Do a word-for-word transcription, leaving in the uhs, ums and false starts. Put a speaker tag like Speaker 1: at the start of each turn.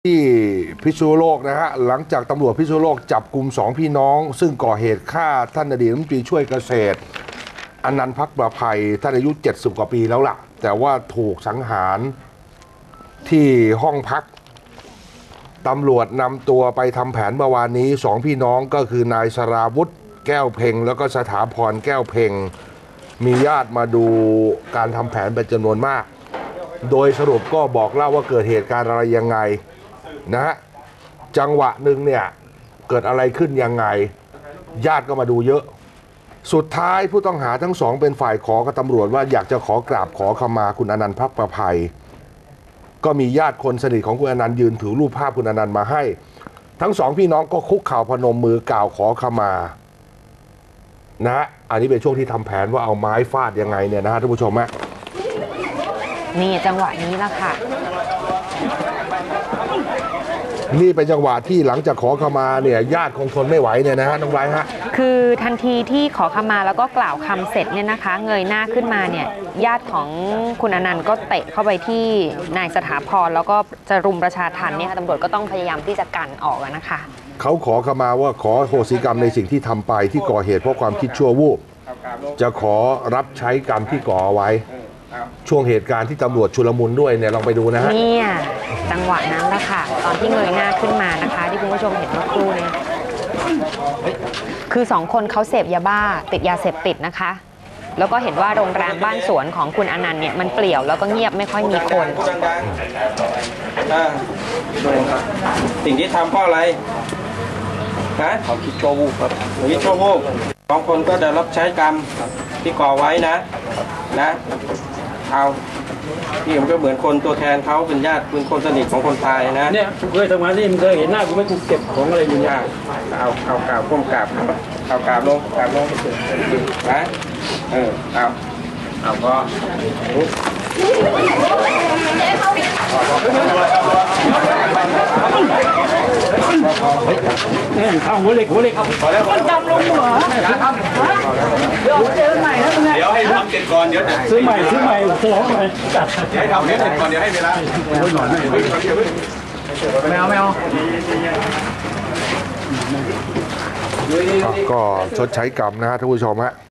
Speaker 1: ที่พิษณุโลกนะฮะหลังจากตำรวจพิษณุโลกจับกลุ่มสองพี่น้องซึ่งก่อเหตุฆ่าท่านอดีตรัฐมนตรีช่วยเกษตรอนันต์ภักประภัยท่านอายุเจ็ดสิบกว่าปีแล้วล่ะแต่ว่าถูกสังหารที่ห้องพักตำรวจนำตัวไปทำแผนเมื่อวานนี้สองพี่น้องก็คือนายสราวุธแก้วเพ็งแล้วก็สถาพรแก้วเพ็งมีญาติมาดูการทำแผนเป็นจำนวนมากโดยสรุปก็บอกเล่าว่าเกิดเหตุการณ์อะไรยังไงนะฮะจังหวะหนึ่งเนี่ยเกิดอะไรขึ้นยังไงญาติก็มาดูเยอะสุดท้ายผู้ต้องหาทั้งสองเป็นฝ่ายขอกับตำรวจว่าอยากจะขอกราบขอขมาคุณอนันต์ภักประภัยก็มีญาติคนสนิทของคุณอนันต์ยืนถือรูปภาพคุณอนันต์มาให้ทั้งสองพี่น้องก็คุกเข่าพนมมือกล่าวขอขมานะฮะอันนี้เป็นช่วงที่ทำแผนว่าเอาไม้ฟาดยังไงเนี่ยนะฮะท่านผู้ชมฮะ
Speaker 2: นี่จังหวะนี้ละค่ะ
Speaker 1: นี่เป็นจังหวะที่หลังจากขอขมาเนี่ยญาติคงทนไม่ไหวเนี่ยนะฮะน้องไบร์ทฮะ
Speaker 2: คือทันทีที่ขอขมาแล้วก็กล่าวคำเสร็จเนี่ยนะคะเงยหน้าขึ้นมาเนี่ยญาติของคุณอนันต์ก็เตะเข้าไปที่นายสถาพรแล้วก็จะรุมประชาทัณฑ์เนี่ยตำรวจก็ต้องพยายามที่จะกันออกนะคะ
Speaker 1: เขาขอขมาว่าขอโหสิกรรมในสิ่งที่ทำไปที่ก่อเหตุเพราะความคิดชั่ววูบจะขอรับใช้กรรมที่ก่อไว้ช่วงเหตุการณ์ที่ตำรวจชุลมุนด้วยเนี่ยลองไปดูนะฮะ
Speaker 2: เนี่ยจังหวะนั้นแหละค่ะตอนที่เงยหน้าขึ้นมานะคะที่คุณผู้ชมเห็นเมื่อครู่เนี่ยคือสองคนเขาเสพยาบ้าติดยาเสพติดนะคะแล้วก็เห็นว่าโรงแรมบ้านสวนของคุณอนันต์เนี่ยมันเปลี่ยวแล้วก็เงียบไม่ค่อยมีคน
Speaker 3: สิ่งที่ทำเพราะอะไรนะเขาคิดชั่ววูบครับคิดชั่ววูบสองคนก็จะรับใช้กรรมที่ก่อไว้นะนะเอาพี่ผมก็เหมือนคนตัวแทนเขาเป็นญาติเป็นคนสนิทของคนตายนะ
Speaker 4: เนี่ยเคยทำงานที่มึงเคยเห็นหน้ากูไม่กูเก็บของอะไรอยู่เนี่ย
Speaker 3: เอาเอากราบก้มกราบเอากราบลงกราบลงนะเออเอาเอาก็
Speaker 4: เนี่ยข้าวหัวเล็กหัวเล็กพอแล้วมันจำลงหัวเดี๋ยวเจอใหม่แล้วเนี่ย
Speaker 5: เดี๋ยวให้ทำเสร็จก่อนเดี๋ยว
Speaker 4: ซื้อใหม่ซื้อใหม่ซื้อของใหม่
Speaker 5: ให้ทำเสร็จก่อนเดี๋ยวให้เวลา
Speaker 4: แมวแมว
Speaker 1: ก็ชดใช้กรรมนะฮะท่านผู้ชมฮะ